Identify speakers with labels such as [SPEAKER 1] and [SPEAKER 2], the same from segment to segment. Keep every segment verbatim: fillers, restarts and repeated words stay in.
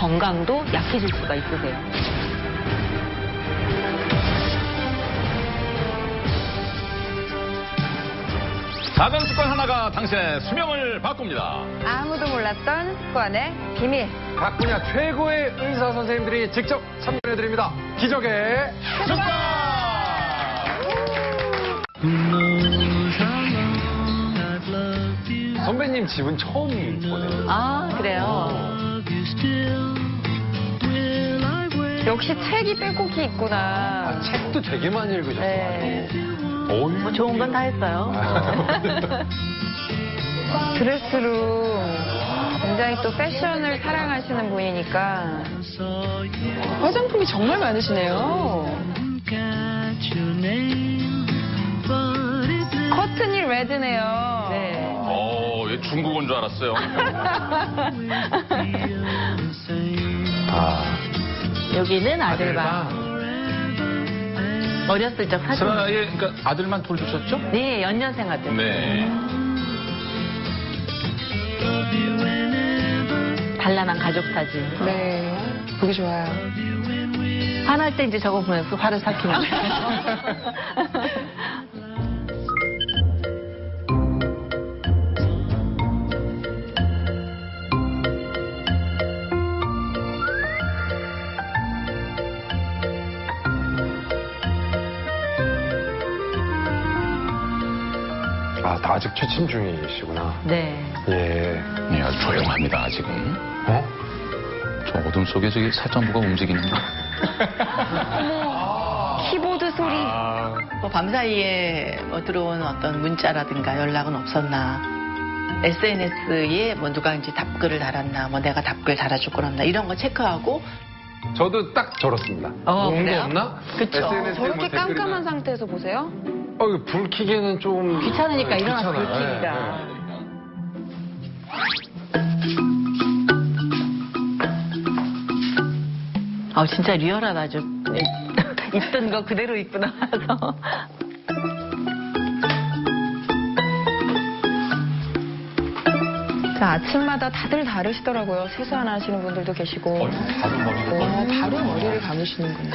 [SPEAKER 1] 건강도 약해질 수가 있으세요.
[SPEAKER 2] 작은 습관 하나가 당신의 수명을 바꿉니다.
[SPEAKER 3] 아무도 몰랐던 습관의 비밀.
[SPEAKER 4] 각 분야 최고의 의사 선생님들이 직접 참여해드립니다. 기적의 습관! 선배님 집은 처음 보네요.
[SPEAKER 3] 아, 그래요? 역시 책이 빼곡히 있구나.
[SPEAKER 4] 아, 책도 되게 많이 읽으셨어요.
[SPEAKER 3] 네.
[SPEAKER 1] 뭐 좋은 건 다 했어요.
[SPEAKER 3] 드레스룸. 굉장히 또 패션을 사랑하시는 분이니까. 화장품이 정말 많으시네요. 커튼이 레드네요.
[SPEAKER 1] 네.
[SPEAKER 2] 어, 얘 중국 온 줄 알았어요.
[SPEAKER 4] 아,
[SPEAKER 1] 여기는 아들방. 어렸을 적 사진.
[SPEAKER 2] 슬아의 그러니까 아들만 돌주셨죠?
[SPEAKER 1] 네, 연년생 아들.
[SPEAKER 2] 네.
[SPEAKER 1] 단란한 가족 사진.
[SPEAKER 3] 네. 보기 좋아요.
[SPEAKER 1] 화날 때 이제 저거 보면서 화를 삭히는 거예요.
[SPEAKER 4] 아, 아직 취침 중이시구나.
[SPEAKER 1] 네.
[SPEAKER 4] 예.
[SPEAKER 2] 네, 아주 조용합니다, 아직은.
[SPEAKER 4] 어?
[SPEAKER 2] 저 어둠 속에 저기 살짝 뭐가 움직이는데.
[SPEAKER 3] 키보드 소리.
[SPEAKER 1] 뭐 밤사이에 뭐 들어온 어떤 문자라든가 연락은 없었나. 에스엔에스에 뭐 누가 이제 답글을 달았나, 뭐 내가 답글 달아줄 거였나 이런 거 체크하고.
[SPEAKER 4] 저도 딱 저렇습니다.
[SPEAKER 1] 어,
[SPEAKER 4] 좋은
[SPEAKER 1] 그래요?
[SPEAKER 4] 거 없나?
[SPEAKER 1] 그쵸.
[SPEAKER 4] 에스엔에스에
[SPEAKER 3] 저렇게
[SPEAKER 4] 뭐 댓글이나-
[SPEAKER 3] 깜깜한 상태에서 보세요?
[SPEAKER 4] 어, 이거 불 켜기에는 좀.
[SPEAKER 1] 귀찮으니까
[SPEAKER 4] 네,
[SPEAKER 1] 일어나서 불
[SPEAKER 4] 귀찮아요.
[SPEAKER 1] 켜기가.
[SPEAKER 4] 네, 네.
[SPEAKER 1] 아 진짜 리얼하다 아주. 있던 거 그대로 입고 나와서.
[SPEAKER 3] 자, 아침마다 다들 다르시더라고요. 세수 안 하시는 분들도 계시고.
[SPEAKER 2] 다른 머리를
[SPEAKER 3] 어, 바로 머리를 감으시는구나.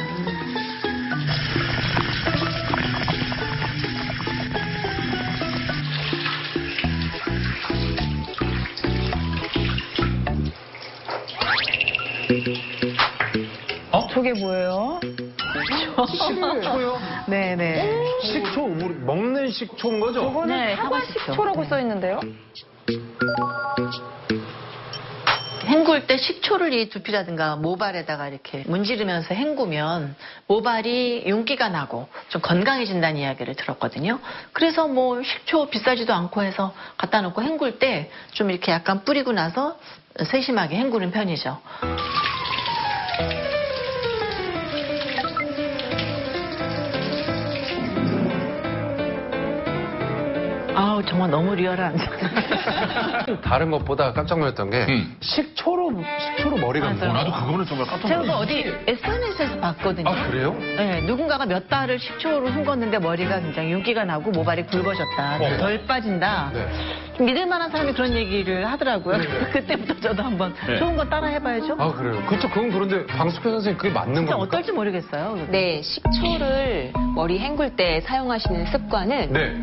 [SPEAKER 4] 어?
[SPEAKER 3] 저게 뭐예요?
[SPEAKER 4] 식초요?
[SPEAKER 1] 네네.
[SPEAKER 4] 식초, 우리 먹는 식초인 거죠?
[SPEAKER 3] 저거는
[SPEAKER 1] 네,
[SPEAKER 3] 사과
[SPEAKER 1] 사과식초.
[SPEAKER 3] 식초라고 써 있는데요?
[SPEAKER 1] 헹굴 때 식초를 이 두피라든가 모발에다가 이렇게 문지르면서 헹구면 모발이 윤기가 나고 좀 건강해진다는 이야기를 들었거든요. 그래서 뭐 식초 비싸지도 않고 해서 갖다 놓고 헹굴 때 좀 이렇게 약간 뿌리고 나서 세심하게 헹구는 편이죠. 아우 정말 너무 리얼한.
[SPEAKER 4] 다른 것보다 깜짝 놀랐던 게
[SPEAKER 2] 음.
[SPEAKER 4] 식초로 식초로 머리가
[SPEAKER 1] 맞아요.
[SPEAKER 4] 뭐
[SPEAKER 2] 나도 그거는 정말 깜짝
[SPEAKER 1] 제가 그
[SPEAKER 2] 놀랐어요.
[SPEAKER 1] 어디 에스엔에스에서 봤거든요.
[SPEAKER 4] 아, 그래요?
[SPEAKER 1] 네, 누군가가 몇 달을 식초로 헹궜는데 머리가 굉장히 윤기가 나고 모발이 굵어졌다.
[SPEAKER 4] 어.
[SPEAKER 1] 덜 빠진다.
[SPEAKER 4] 네.
[SPEAKER 1] 좀 믿을 만한 사람이 그런 얘기를 하더라고요.
[SPEAKER 4] 네.
[SPEAKER 1] 그때부터 저도 한번
[SPEAKER 2] 네.
[SPEAKER 1] 좋은 거 따라 해봐야죠.
[SPEAKER 4] 아, 그래요? 그쵸, 그건 그런데 방수표 선생님 그게 맞는
[SPEAKER 1] 진짜
[SPEAKER 4] 겁니까?
[SPEAKER 1] 어떨지 모르겠어요.
[SPEAKER 5] 네, 식초를 머리 헹굴 때 사용하시는 습관은
[SPEAKER 4] 네.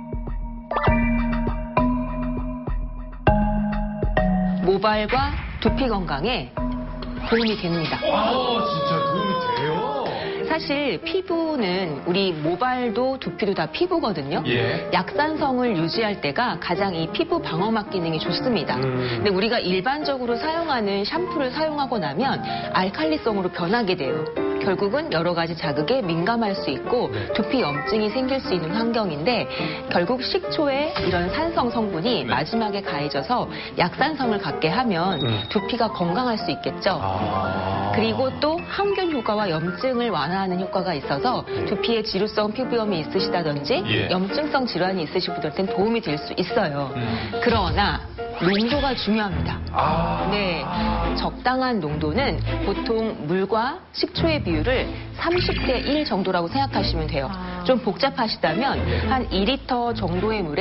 [SPEAKER 5] 모발과 두피 건강에 도움이 됩니다.
[SPEAKER 4] 아, 진짜 도움이 돼요?
[SPEAKER 5] 사실 피부는 우리 모발도 두피도 다 피부거든요.
[SPEAKER 4] 예.
[SPEAKER 5] 약산성을 유지할 때가 가장 이 피부 방어막 기능이 좋습니다.
[SPEAKER 4] 음.
[SPEAKER 5] 근데 우리가 일반적으로 사용하는 샴푸를 사용하고 나면 알칼리성으로 변하게 돼요. 결국은 여러 가지 자극에 민감할 수 있고
[SPEAKER 4] 네.
[SPEAKER 5] 두피 염증이 생길 수 있는 환경인데 결국 식초에 이런 산성 성분이
[SPEAKER 2] 네.
[SPEAKER 5] 마지막에 가해져서 약산성을 갖게 하면
[SPEAKER 4] 음.
[SPEAKER 5] 두피가 건강할 수 있겠죠.
[SPEAKER 4] 아.
[SPEAKER 5] 그리고 또 항균 효과와 염증을 완화하는 효과가 있어서
[SPEAKER 4] 네.
[SPEAKER 5] 두피에 지루성 피부염이 있으시다든지
[SPEAKER 2] 예.
[SPEAKER 5] 염증성 질환이 있으신 분들한테는 도움이 될 수 있어요.
[SPEAKER 2] 음.
[SPEAKER 5] 그러나 농도가 중요합니다.
[SPEAKER 4] 아.
[SPEAKER 5] 네, 적당한 농도는 보통 물과 식초의 비율을 삼십 대 일 정도라고 생각하시면 돼요. 좀 복잡하시다면 한 이 리터 정도의 물에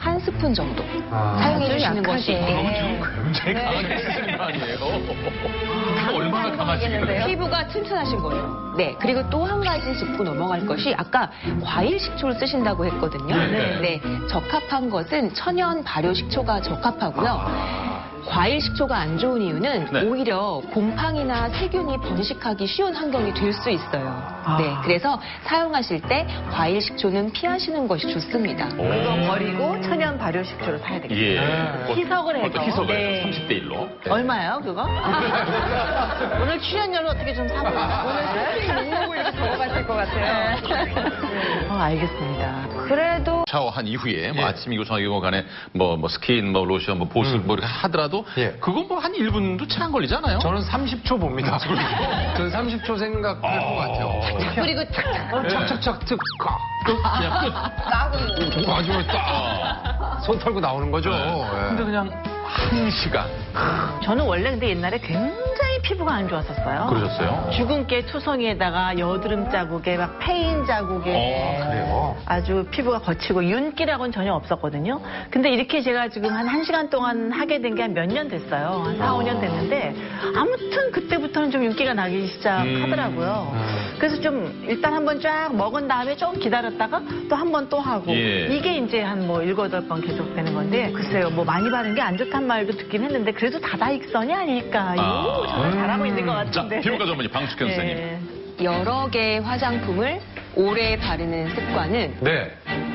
[SPEAKER 5] 한 스푼 정도
[SPEAKER 4] 아.
[SPEAKER 5] 사용해
[SPEAKER 1] 아주
[SPEAKER 5] 주시는 것이
[SPEAKER 1] 약하게.
[SPEAKER 2] 지금 굉장히 강하게 쓰시는 거 아니에요? 얼마나 강하시길래?
[SPEAKER 5] 피부가 튼튼하신 거예요. 네. 그리고 또 한 가지 짚고 넘어갈 것이 아까 과일 식초를 쓰신다고 했거든요.
[SPEAKER 2] 네.
[SPEAKER 5] 네. 적합한 것은 천연 발효 식초가 적합하고요. 과일 식초가 안 좋은 이유는
[SPEAKER 2] 네.
[SPEAKER 5] 오히려 곰팡이나 세균이 번식하기 쉬운 환경이 될 수 있어요.
[SPEAKER 1] 아.
[SPEAKER 5] 네. 그래서 사용하실 때 과일 식초는 피하시는 것이 좋습니다.
[SPEAKER 1] 그거 버리고 천연 발효 식초를 사야 되겠어요.
[SPEAKER 2] 예.
[SPEAKER 1] 희석을 해서.
[SPEAKER 2] 어떤 희석을
[SPEAKER 1] 네.
[SPEAKER 2] 해서 삼십 대 일로.
[SPEAKER 1] 얼마예요, 그거? 오늘 출연료를 어떻게 좀 사볼까? 오늘
[SPEAKER 3] 목록을 이렇게 적어가실 것 같아요.
[SPEAKER 1] 어, 알겠습니다.
[SPEAKER 3] 그래도
[SPEAKER 2] 샤워한 이후에 뭐
[SPEAKER 4] 예.
[SPEAKER 2] 아침이고 저녁이고 간에 뭐, 뭐 스킨, 뭐 로션, 뭐 보습
[SPEAKER 4] 음.
[SPEAKER 2] 뭐 이렇게 하더라도
[SPEAKER 4] 예.
[SPEAKER 2] 그건 뭐 한 일 분도 채 안 걸리잖아요.
[SPEAKER 4] 저는 삼십 초 봅니다. 저는 삼십 초 생각할 것 같아요.
[SPEAKER 1] 그리고 착,
[SPEAKER 4] 착착착 특, 까, 끝,
[SPEAKER 2] 그냥 끝.
[SPEAKER 4] 끝. 마지막에 딱. 손 털고 나오는 거죠. 예.
[SPEAKER 2] 근데 그냥 한 시간.
[SPEAKER 1] 저는 원래 근데 옛날에 굉장히 피부가 안 좋았었어요.
[SPEAKER 2] 그러셨어요?
[SPEAKER 1] 주근깨 투성이에다가 여드름 자국에 막 페인 자국에
[SPEAKER 2] 어,
[SPEAKER 4] 그래요?
[SPEAKER 1] 아주 피부가 거치고 윤기라고는 전혀 없었거든요. 근데 이렇게 제가 지금 한 1시간 동안 하게 된 게 한 몇 년 됐어요. 한 사, 오 년 됐는데 아무튼 그때부터는 좀 윤기가 나기 시작하더라고요.
[SPEAKER 4] 음.
[SPEAKER 1] 그래서 좀 일단 한번 쫙 먹은 다음에 좀 기다렸다가 또 한 번 또 하고
[SPEAKER 2] 예.
[SPEAKER 1] 이게 이제 한 뭐 일곱, 여덟 번 계속 되는 건데 글쎄요. 뭐 많이 바른 게 안 좋단 말도 듣긴 했는데 그래도 다다익선이 아닐까요?
[SPEAKER 2] 아.
[SPEAKER 1] 정말 잘하고 있는 것
[SPEAKER 2] 자,
[SPEAKER 1] 같은데.
[SPEAKER 2] 피부과 전문의 방숙현 선생님.
[SPEAKER 1] 예.
[SPEAKER 5] 여러 개의 화장품을 오래 바르는 습관은
[SPEAKER 4] 네.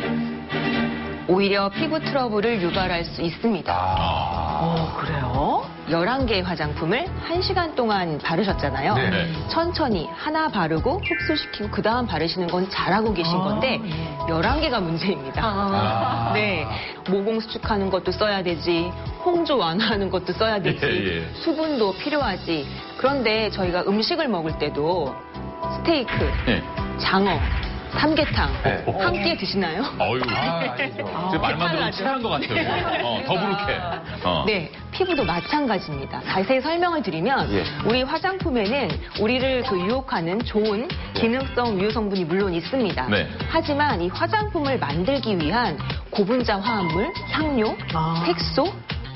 [SPEAKER 5] 오히려 피부 트러블을 유발할 수 있습니다.
[SPEAKER 4] 아.
[SPEAKER 1] 어, 그래요?
[SPEAKER 5] 열한 개의 화장품을 한 시간 동안 바르셨잖아요.
[SPEAKER 4] 네.
[SPEAKER 2] 네.
[SPEAKER 5] 천천히 하나 바르고 흡수시키고 그 다음 바르시는 건 잘하고 계신
[SPEAKER 1] 아,
[SPEAKER 5] 건데
[SPEAKER 1] 예.
[SPEAKER 5] 열한 개가 문제입니다.
[SPEAKER 4] 아.
[SPEAKER 5] 네. 모공 수축하는 것도 써야 되지, 홍조 완화하는 것도 써야 되지,
[SPEAKER 2] 예, 예.
[SPEAKER 5] 수분도 필요하지. 그런데 저희가 음식을 먹을 때도 스테이크,
[SPEAKER 2] 네.
[SPEAKER 5] 장어, 삼계탕
[SPEAKER 4] 네.
[SPEAKER 5] 함께 드시나요?
[SPEAKER 2] 어유.
[SPEAKER 4] 아, 아니죠.
[SPEAKER 2] 지금 말만 들어도 체한 것 같아요. 어, 더부룩해. 어.
[SPEAKER 5] 네, 피부도 마찬가지입니다. 자세히 설명을 드리면
[SPEAKER 4] 예.
[SPEAKER 5] 우리 화장품에는 우리를 그 유혹하는 좋은 기능성 유효 성분이 물론 있습니다.
[SPEAKER 2] 네.
[SPEAKER 5] 하지만 이 화장품을 만들기 위한 고분자 화합물, 향료,
[SPEAKER 1] 아.
[SPEAKER 5] 색소,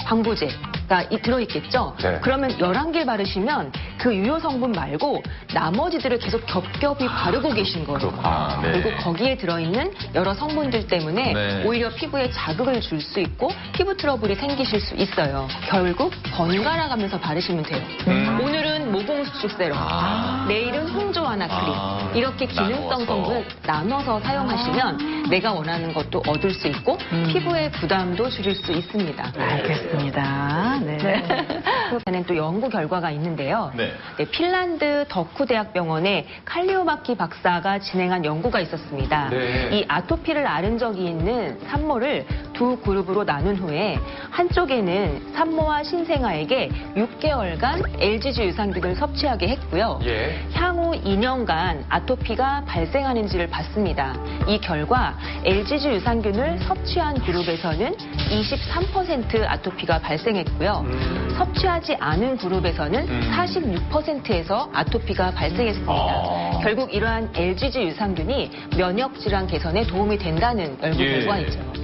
[SPEAKER 5] 방부제가 이- 들어있겠죠?
[SPEAKER 4] 네.
[SPEAKER 5] 그러면 열한 개 바르시면 그 유효 성분 말고 나머지들을 계속 겹겹이 바르고 계신 거예요.
[SPEAKER 2] 그렇구나. 네.
[SPEAKER 5] 그리고 거기에 들어있는 여러 성분들 때문에
[SPEAKER 2] 네.
[SPEAKER 5] 오히려 피부에 자극을 줄 수 있고 피부 트러블이 생기실 수 있어요. 결국 번갈아 가면서 바르시면 돼요.
[SPEAKER 2] 음.
[SPEAKER 5] 오늘은 모공 수축 세럼,
[SPEAKER 2] 아.
[SPEAKER 5] 내일은 홍조 완화 크림.
[SPEAKER 2] 아.
[SPEAKER 5] 이렇게 기능성
[SPEAKER 2] 나누어서.
[SPEAKER 5] 성분 나눠서 사용하시면 내가 원하는 것도 얻을 수 있고
[SPEAKER 1] 음.
[SPEAKER 5] 피부의 부담도 줄일 수 있습니다.
[SPEAKER 1] 알겠습니다. 네.
[SPEAKER 5] 저는 또 연구 결과가 있는데요.
[SPEAKER 2] 네.
[SPEAKER 5] 네, 핀란드 덕후 대학병원의 칼리오마키 박사가 진행한 연구가 있었습니다.
[SPEAKER 4] 네.
[SPEAKER 5] 이 아토피를 앓은 적이 있는 산모를 두 그룹으로 나눈 후에 한쪽에는 산모와 신생아에게 육 개월간 엘지지 유산균을 섭취하게 했고요.
[SPEAKER 4] 예.
[SPEAKER 5] 향후 이 년간 아토피가 발생하는지를 봤습니다. 이 결과 엘지지 유산균을 섭취한 그룹에서는 이십삼 퍼센트 아토피가 발생했고요.
[SPEAKER 4] 음.
[SPEAKER 5] 섭취하지 않은 그룹에서는
[SPEAKER 2] 음.
[SPEAKER 5] 사십육 퍼센트에서 아토피가 발생했습니다.
[SPEAKER 2] 아.
[SPEAKER 5] 결국 이러한 엘지지 유산균이 면역 질환 개선에 도움이 된다는 연구
[SPEAKER 2] 예.
[SPEAKER 5] 결과이죠.